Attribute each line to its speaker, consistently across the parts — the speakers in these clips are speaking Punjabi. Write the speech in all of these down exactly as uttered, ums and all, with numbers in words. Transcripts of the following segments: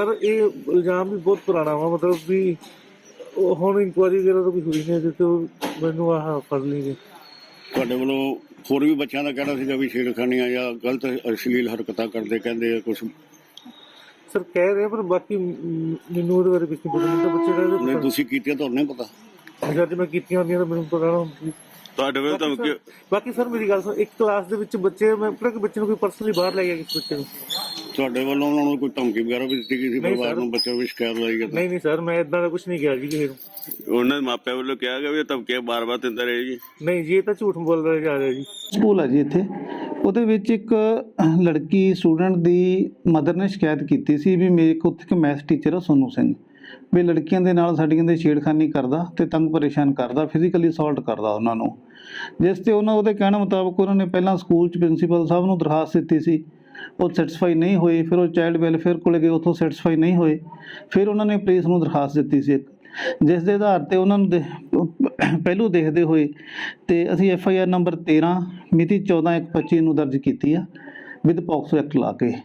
Speaker 1: सर ये इल्जाम भी बहुत पुराना वा मतलब भी ਹੁਣ ਇਨਕੁਆਇਰੀ ਵਗੈਰਾ ਤਾਂ ਕੋਈ ਹੋਈ ਨਹੀਂ ਅਜੇ ਤੇ ਮੈਨੂੰ ਆਹ ਫੜ ਲਈਏ।
Speaker 2: ਤੁਹਾਡੇ ਵੱਲੋਂ ਹੋਰ ਵੀ ਬੱਚਿਆਂ ਦਾ ਕਹਿਣਾ ਸੀਗਾ ਵੀ ਛੇੜਖਾਨੀਆਂ ਜਾਂ ਗਲਤ ਅਸ਼ਲੀਲ ਹਰਕਤਾਂ ਕਰਦੇ ਕਹਿੰਦੇ ਆ ਕੁਝ
Speaker 1: ਸਰ ਕਹਿ ਰਹੇ ਪਰ ਬਾਕੀ ਮੈਨੂੰ ਉਹਦੇ ਬਾਰੇ ਕੁਝ ਨਹੀਂ ਪਤਾ। ਮੈਨੂੰ ਤਾਂ ਬੱਚੇ
Speaker 2: ਨਹੀਂ
Speaker 1: ਦਾ
Speaker 2: ਤੁਸੀਂ ਕੀਤੀਆਂ ਤੁਹਾਨੂੰ ਨਹੀਂ ਪਤਾ
Speaker 1: ਜਦ ਮੈਂ ਕੀਤੀਆਂ ਹੁੰਦੀਆਂ ਤਾਂ ਮੈਨੂੰ ਪਤਾ ਨਾ ਹੁੰਦੀ।
Speaker 3: ਤੁਹਾਡੇ ਵੱਲ ਧਮਕੀ
Speaker 1: ਬਾਕੀ ਸਰ ਮੇਰੀ ਗੱਲ ਸੁਣ, ਇੱਕ ਕਲਾਸ ਦੇ ਵਿੱਚ ਬੱਚੇ ਮੈਂ ਪਤਾ ਕਿ ਬੱਚੇ ਨੂੰ ਕੋਈ ਪਰਸਨਲੀ ਬਾਹਰ ਲੈ ਗਿਆ ਕਿਸ ਬੱਚੇ ਨੂੰ
Speaker 2: ਤੁਹਾਡੇ ਵੱਲੋਂ ਉਹਨਾਂ ਨੂੰ ਕੋਈ ਧਮਕੀ ਵਗੈਰਾ ਵੀ ਦਿੱਤੀ ਗਈ ਸੀ ਪਰਿਵਾਰ ਨੂੰ ਬੱਚੇ ਵਿੱਚ ਸ਼ਿਕਾਇਤ ਲਾਈ ਗਈ?
Speaker 1: ਨਹੀਂ ਨਹੀਂ ਸਰ ਮੈਂ ਇਦਾਂ ਦਾ ਕੁਝ ਨਹੀਂ ਕਿਹਾ ਜੀ ਕਿਸੇ ਨੂੰ।
Speaker 3: ਉਹਨਾਂ ਦੇ ਮਾਪਿਆਂ ਵੱਲੋਂ ਕਿਹਾ ਗਿਆ ਵੀ ਇਹ ਧਮਕੀਆਂ ਬਾਰ-ਬਾਰ ਦਿੰਦਾ ਰਹੇ ਜੀ?
Speaker 1: ਨਹੀਂ ਜੀ ਇਹ ਤਾਂ ਝੂਠ ਬੋਲਦਾ ਜਾ ਰਿਹਾ ਜੀ।
Speaker 4: ਸਕੂਲ ਹੈ ਜੀ ਇੱਥੇ, ਉਹਦੇ ਵਿੱਚ ਇੱਕ ਲੜਕੀ ਸਟੂਡੈਂਟ ਦੀ ਮਦਰ ਨੇ ਸ਼ਿਕਾਇਤ ਕੀਤੀ ਸੀ ਵੀ ਮੇਰੇ ਕੋਲ ਉੱਥੇ ਇੱਕ ਮੈਥ ਟੀਚਰ ਆ ਸੋਨੂ ਸਿੰਘ, ਵੀ ਲੜਕੀਆਂ ਦੇ ਨਾਲ ਸਾਡੀਆਂ ਦੇ ਛੇੜਖਾਨੀ ਕਰਦਾ ਤੇ ਤੰਗ ਪਰੇਸ਼ਾਨ ਕਰਦਾ, ਫਿਜ਼ੀਕਲੀ ਅਸੌਲਟ ਕਰਦਾ ਉਹਨਾਂ ਨੂੰ। ਜਿਸ ਤੇ ਉਹਨਾਂ ਉਹਦੇ ਕਹਿਣ ਮੁਤਾਬਕ ਉਹਨਾਂ ਨੇ ਪਹਿਲਾਂ ਸਕੂਲ 'ਚ ਪ੍ਰਿੰਸੀਪਲ ਸਾਹਿਬ ਨੂੰ ਦਰਖਾਸਤ ਦਿੱਤੀ ਸੀ, ਉਹ ਸੈਟੀਸਫਾਈ ਨਹੀਂ ਹੋਈ। ਫਿਰ ਉਹ ਚਾਈਲਡ ਵੈਲਫੇਅਰ ਕੋਲ ਗਏ, ਉੱਥੋਂ ਸੈਟੀਸਫਾਈ ਨਹੀਂ ਹੋਏ। ਫਿਰ ਉਹਨਾਂ ਨੇ ਪੁਲਿਸ ਨੂੰ ਦਰਖਾਸਤ ਦਿੱਤੀ ਸੀ ਇੱਕ, ਜਿਸ ਦੇ ਆਧਾਰ 'ਤੇ ਉਹਨਾਂ ਨੂੰ ਦੇ ਪਹਿਲੂ ਦੇਖਦੇ ਹੋਏ ਤੇ ਅਸੀਂ ਐਫ ਆਈ ਆਰ ਨੰਬਰ ਤੇਰ੍ਹਾਂ ਮਿਤੀ ਚੌਦਾਂ ਇੱਕ ਪੱਚੀ ਨੂੰ ਦਰਜ ਕੀਤੀ ਆ ਵਿਦ ਪੌਕਸੋ ਐਕਟ ਲਾ ਕੇ।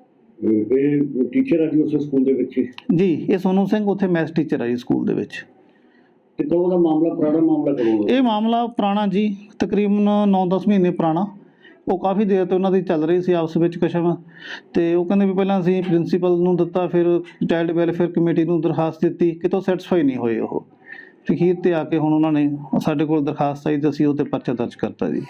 Speaker 2: ਇਹ ਟੀਚਰ ਆ ਜੀ ਉਸ ਸਕੂਲ ਦੇ ਵਿੱਚ
Speaker 4: ਜੀ, ਇਹ ਸੋਨੂ ਸਿੰਘ ਉੱਥੇ ਮੈਥ ਟੀਚਰ ਆ ਜੀ ਸਕੂਲ ਦੇ ਵਿੱਚ।
Speaker 2: ਤੇ ਕਦੋਂ ਦਾ ਮਾਮਲਾ, ਪੁਰਾਣਾ ਮਾਮਲਾ ਕਦੋਂ ਦਾ?
Speaker 4: ਇਹ ਮਾਮਲਾ ਪੁਰਾਣਾ ਜੀ, ਤਕਰੀਬਨ ਨੌ ਦਸ ਮਹੀਨੇ ਪੁਰਾਣਾ। ਉਹ ਕਾਫੀ ਦੇਰ ਤੋਂ ਉਹਨਾਂ ਦੀ ਚੱਲ ਰਹੀ ਸੀ ਆਪਸ ਵਿੱਚ ਕਸ਼ਮ, ਤੇ ਉਹ ਕਹਿੰਦੇ ਵੀ ਪਹਿਲਾਂ ਅਸੀਂ ਪ੍ਰਿੰਸੀਪਲ ਨੂੰ ਦਿੱਤਾ, ਫਿਰ ਚਾਈਲਡ ਵੈਲਫੇਅਰ ਕਮੇਟੀ ਨੂੰ ਦਰਖਾਸਤ ਦਿੱਤੀ, ਕਿਤੋਂ ਸੈਟੀਸਫਾਈ ਨਹੀਂ ਹੋਏ ਉਹ। ਅਖੀਰ 'ਤੇ ਆ ਕੇ ਹੁਣ ਉਹਨਾਂ ਨੇ ਸਾਡੇ ਕੋਲ ਦਰਖਾਸਤ ਆਈ ਤੇ ਅਸੀਂ ਉਹ 'ਤੇ ਪਰਚਾ ਦਰਜ ਕਰਤਾ ਜੀ।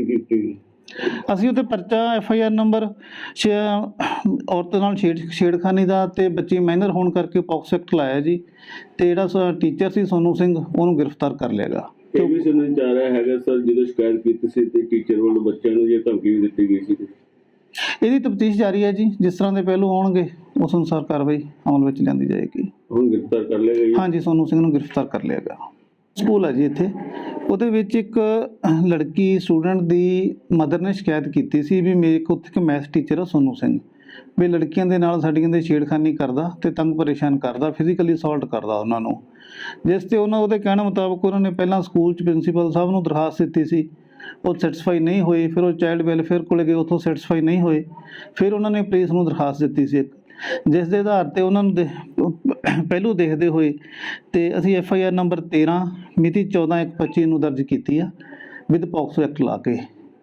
Speaker 4: ਅਸੀਂ ਉੱਤੇ ਪਰਚਾ ਐਫ ਆਈ ਆਰ ਨੰਬਰ ਛੇ ਔਰਤ ਨਾਲ ਛੇੜ ਛੇੜਖਾਨੀ ਦਾ ਤੇ ਬੱਚੀ ਮਾਈਨਰ ਹੋਣ ਕਰਕੇ ਪੌਕਸੋ ਐਕਟ ਲਾਇਆ ਜੀ। ਤੇ ਜਿਹੜਾ ਟੀਚਰ ਸੀ ਸੋਨੂ ਸਿੰਘ ਉਹਨੂੰ ਗ੍ਰਿਫਤਾਰ ਕਰ ਲਿਆ ਗਾ।
Speaker 3: ਇਹ ਵੀ ਸੁਣਨ ਚ ਆ ਰਿਹਾ ਹੈਗਾ ਸਰ ਜਦੋਂ ਸ਼ਿਕਾਇਤ ਕੀਤੀ ਸੀ ਤੇ ਟੀਚਰ ਵੱਲੋਂ ਬੱਚਿਆਂ ਨੂੰ ਇਹ ਧਮਕੀ ਵੀ ਦਿੱਤੀ ਗਈ ਸੀ।
Speaker 4: ਇਹਦੀ ਤਫਤੀਸ਼ ਜਾਰੀ ਹੈ ਜੀ, ਜਿਸ ਤਰ੍ਹਾਂ ਦੇ ਪਹਿਲੂ ਆਉਣਗੇ ਉਸ ਅਨੁਸਾਰ ਕਾਰਵਾਈ ਅਮਲ ਵਿੱਚ ਲਿਆਂਦੀ ਜਾਏਗੀ।
Speaker 3: ਹੁਣ ਗ੍ਰਿਫਤਾਰ ਕਰ ਲਿਆ ਗਿਆ?
Speaker 4: ਹਾਂਜੀ, ਸੋਨੂ ਸਿੰਘ ਨੂੰ ਗ੍ਰਿਫਤਾਰ ਕਰ ਲਿਆ ਗਿਆ। ਸਕੂਲ ਹੈ ਜੀ ਇੱਥੇ, ਉਹਦੇ ਵਿੱਚ ਇੱਕ ਲੜਕੀ ਸਟੂਡੈਂਟ ਦੀ ਮਦਰ ਨੇ ਸ਼ਿਕਾਇਤ ਕੀਤੀ ਸੀ ਵੀ ਮੇਰੇ ਕੋਲ ਉੱਥੇ ਇੱਕ ਮੈਥ ਟੀਚਰ ਆ ਸੋਨੂ ਸਿੰਘ, ਵੀ ਲੜਕੀਆਂ ਦੇ ਨਾਲ ਸਾਡੀਆਂ ਦੇ ਛੇੜਖਾਨੀ ਕਰਦਾ ਤੇ ਤੰਗ ਪਰੇਸ਼ਾਨ ਕਰਦਾ, ਫਿਜ਼ੀਕਲੀ ਅਸੌਲਟ ਕਰਦਾ ਉਹਨਾਂ ਨੂੰ। ਜਿਸ ਤੇ ਉਹਨਾਂ ਉਹਦੇ ਕਹਿਣ ਮੁਤਾਬਕ ਉਹਨਾਂ ਨੇ ਪਹਿਲਾਂ ਸਕੂਲ 'ਚ ਪ੍ਰਿੰਸੀਪਲ ਸਾਹਿਬ ਨੂੰ ਦਰਖਾਸਤ ਦਿੱਤੀ ਸੀ, ਉਹ ਸੈਟੀਸਫਾਈ ਨਹੀਂ ਹੋਈ। ਫਿਰ ਉਹ ਚਾਈਲਡ ਵੈਲਫੇਅਰ ਕੋਲ ਗਏ, ਉੱਥੋਂ ਸੈਟੀਸਫਾਈ ਨਹੀਂ ਹੋਏ। ਫਿਰ ਉਹਨਾਂ ਨੇ ਪੁਲਿਸ ਨੂੰ ਦਰਖਾਸਤ ਦਿੱਤੀ ਸੀ ਇੱਕ, ਜਿਸ ਦੇ ਆਧਾਰ 'ਤੇ ਉਹਨਾਂ ਨੂੰ ਦੇ ਪਹਿਲੂ ਦੇਖਦੇ ਹੋਏ ਤੇ ਅਸੀਂ ਐਫ ਆਈ ਆਰ ਨੰਬਰ ਤੇਰ੍ਹਾਂ ਮਿਤੀ ਚੌਦਾਂ ਇੱਕ ਪੱਚੀ ਨੂੰ ਦਰਜ ਕੀਤੀ ਆ ਵਿਦ ਪੌਕਸੋ ਐਕਟ ਲਾ ਕੇ।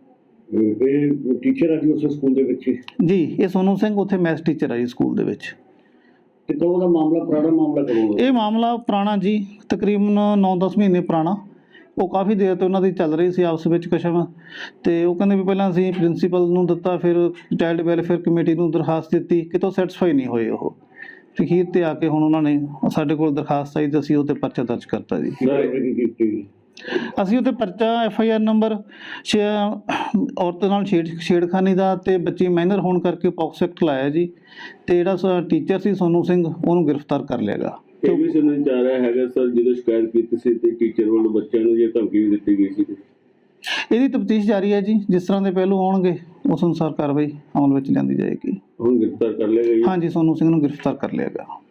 Speaker 2: ਇਹ ਟੀਚਰ ਆ ਜੀ ਉਸ ਸਕੂਲ ਦੇ ਵਿੱਚ
Speaker 4: ਜੀ, ਇਹ ਸੋਨੂ ਸਿੰਘ ਉੱਥੇ ਮੈਥ ਟੀਚਰ ਆ ਜੀ ਸਕੂਲ ਦੇ ਵਿੱਚ।
Speaker 2: ਤੇ ਕਦੋਂ ਦਾ ਮਾਮਲਾ, ਪੁਰਾਣਾ ਮਾਮਲਾ ਕਦੋਂ ਦਾ?
Speaker 4: ਇਹ ਮਾਮਲਾ ਪੁਰਾਣਾ ਜੀ, ਤਕਰੀਬਨ ਨੌ ਦਸ ਮਹੀਨੇ ਪੁਰਾਣਾ। ਉਹ ਕਾਫੀ ਦੇਰ ਤੋਂ ਉਹਨਾਂ ਦੀ ਚੱਲ ਰਹੀ ਸੀ ਆਪਸ ਵਿੱਚ ਕਸ਼ਮ, ਤੇ ਉਹ ਕਹਿੰਦੇ ਵੀ ਪਹਿਲਾਂ ਅਸੀਂ ਪ੍ਰਿੰਸੀਪਲ ਨੂੰ ਦਿੱਤਾ, ਫਿਰ ਚਾਈਲਡ ਵੈਲਫੇਅਰ ਕਮੇਟੀ ਨੂੰ ਦਰਖਾਸਤ ਦਿੱਤੀ, ਕਿਤੋਂ ਸੈਟੀਸਫਾਈ ਨਹੀਂ ਹੋਏ ਉਹ। ਅਖੀਰ 'ਤੇ ਆ ਕੇ ਹੁਣ ਉਹਨਾਂ ਨੇ ਸਾਡੇ ਕੋਲ ਦਰਖਾਸਤ ਆਈ ਤੇ ਅਸੀਂ ਉਹ 'ਤੇ ਪਰਚਾ ਦਰਜ ਕਰਤਾ ਜੀ। ਅਸੀਂ ਉੱਤੇ ਪਰਚਾ ਐਫ ਆਈ ਆਰ ਨੰਬਰ ਛੇ ਔਰਤ ਨਾਲ ਛੇੜ ਛੇੜਖਾਨੀ ਦਾ ਤੇ ਬੱਚੀ ਮਾਈਨਰ ਹੋਣ ਕਰਕੇ ਪੌਕਸੋ ਐਕਟ ਲਾਇਆ ਜੀ। ਤੇ ਜਿਹੜਾ ਟੀਚਰ ਸੀ ਸੋਨੂ ਸਿੰਘ ਉਹਨੂੰ ਗ੍ਰਿਫਤਾਰ ਕਰ ਲਿਆ ਗਾ।
Speaker 3: ਇਹ ਵੀ ਸੁਣਨ ਚ ਆ ਰਿਹਾ ਹੈਗਾ ਸਰ ਜਦੋਂ ਸ਼ਿਕਾਇਤ ਕੀਤੀ ਸੀ ਤੇ ਟੀਚਰ ਵੱਲੋਂ ਬੱਚਿਆਂ ਨੂੰ ਇਹ ਧਮਕੀ ਵੀ ਦਿੱਤੀ ਗਈ ਸੀ।
Speaker 4: ਇਹਦੀ ਤਫਤੀਸ਼ ਜਾਰੀ ਹੈ ਜੀ, ਜਿਸ ਤਰ੍ਹਾਂ ਦੇ ਪਹਿਲੂ ਆਉਣਗੇ ਉਸ ਅਨੁਸਾਰ ਕਾਰਵਾਈ ਅਮਲ ਵਿੱਚ ਲਿਆਂਦੀ ਜਾਏਗੀ।
Speaker 3: ਹੁਣ ਗ੍ਰਿਫਤਾਰ ਕਰ ਲਿਆ ਗਿਆ?
Speaker 4: ਹਾਂਜੀ, ਸੋਨੂ ਸਿੰਘ ਨੂੰ ਗ੍ਰਿਫਤਾਰ ਕਰ ਲਿਆ ਗਿਆ।